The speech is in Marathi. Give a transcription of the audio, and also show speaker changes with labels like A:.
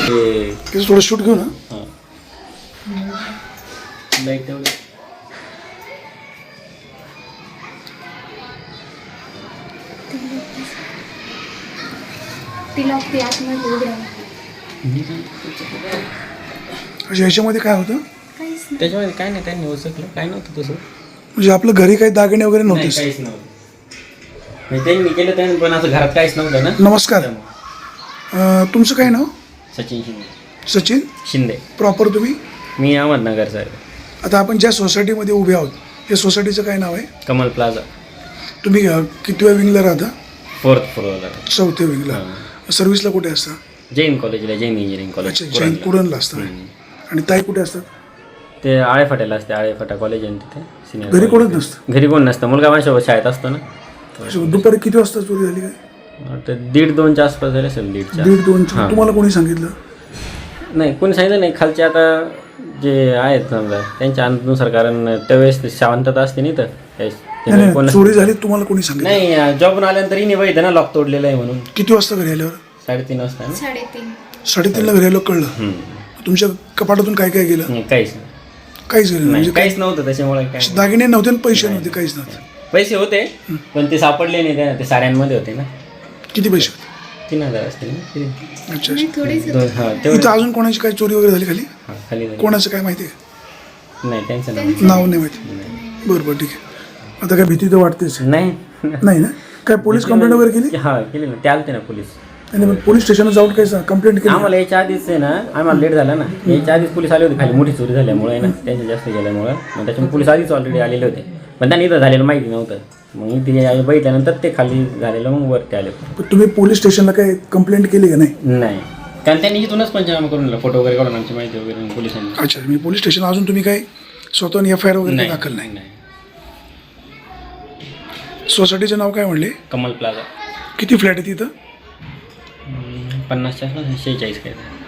A: त्याचं थोडं शूट घेऊ ना.
B: हां लाईक तेवढं
A: म्हणजे ह्याच्यामध्ये काय होतं
B: त्याच्यामध्ये काय नाही, त्यांनी ओळखलं काय नव्हतं तसं.
A: म्हणजे आपलं घरी काही दागिने वगैरे
B: नाही
A: नव्हते.
B: काहीच नव्हतं. म्हणजे त्यांनी केलं त्यांनी, पण असं घरात काहीच नव्हतं ना.
A: नमस्कार. तुमचं काय नाव?
B: सचिन शिंदे.
A: सचिन
B: शिंदे.
A: प्रॉपर तुम्ही?
B: मी अहमदनगर सर.
A: आता आपण ज्या सोसायटीमध्ये उभे आहोत त्या सोसायटीचं काय नाव आहे?
B: कमल प्लाझा.
A: तुम्ही कितव्या विंगला राहता?
B: 4th फ्लोअरला.
A: 4थ्या विंगला. सर्व्हिसला कुठे असता?
B: जैन कॉलेजला, जैन इंजिनिअरिंग कॉलेज.
A: अच्छा, जैन कुरणला असता. आणि ताई कुठे असतात?
B: ते आळेफाट्याला असते, आळेफाटा कॉलेज आहे तिथे सिनियर.
A: घरी कोणच नसतं?
B: घरी कोण नसतं, मुलगा माझ्यासोबत शाळेत असतो ना.
A: अच्छा, दुपारी किती वाजता चोरी झाली काय?
B: तर 1:30-2च्या आसपास झाले असेल.
A: 1:30-2. तुम्हाला कोणी सांगितलं?
B: नाही कोणी सांगितलं नाही. खालचे आता जे आहेत समजा त्यांच्या अनुसार, कारण त्यावेळेस शांतता असते नाही तर
A: नाही, चोरी झाली तुम्हाला कोणी सांगितलं?
B: नाही. जॉबून आल्यानंतर हिने बघितलं ना लॉक तोडलेलं आहे म्हणून.
A: किती वाजता घरी आल्यावर?
B: 3:30 वाजता ना.
A: 3:30ला घरी आलो कळलं. तुमच्या कपाटातून काय काय गेलं?
B: नाही काहीच नाही.
A: काहीच गेलं म्हणजे
B: काहीच नव्हतं त्याच्यामुळे. काय
A: दागिने नव्हते आणि पैसे नव्हते, काहीच नव्हतं.
B: पैसे होते पण ते सापडले नाही. ते साड्यांमध्ये होते ना.
A: किती पैसे होते?
B: 3,000 असतील ना किती?
A: अच्छा.
B: हां
A: इथं
B: तेवढं.
A: अजून कोणाची काय चोरी वगैरे झाली खाली?
B: हां खाली झाली.
A: कोणाचं काय माहिती आहे?
B: नाही त्यांचं नाव
A: नाव नाही माहिती. बरं ठीक आहे. आता काय भीती तर वाटतेच
B: नाही.
A: नाही ना? काय पोलीस कंप्लेंट वगैरे केली?
B: हां केली ना. ते आलते ना पोलीस.
A: आणि मग पोलीस स्टेशनला जाऊन काय कंप्लेंट केली?
B: आम्हाला याच्या आधीच आहे ना, आम्हाला लेट झाला ना. याच्या आधीच पोलीस आले होते खाली, मोठी चोरी झाल्यामुळे ना, त्यांच्या जास्त गेल्यामुळं. मग त्याच्यामुळे पोलीस आधीच ऑलरेडी आलेले होते, पण त्यांनी इथं झालेलं माहिती नव्हतं. मग इथे बघितल्यानंतर ते खाली झालेलं मग वरती आले.
A: तुम्ही पोलीस स्टेशनला काय कंप्लेंट केली का नाही?
B: नाही, कारण त्यांनी इथूनच पंचनामा करून दिला, फोटो वगैरे काढून आमची माहिती वगैरे पोलिसांनी.
A: अच्छा, मी पोलीस स्टेशन अजून तुम्ही काय स्वतःहून FIR वगैरे दाखल नाही? सोसायटीचं नाव काय म्हणले?
B: कमल प्लाझा.
A: किती फ्लॅट आहे तिथं?
B: 50 46 काय.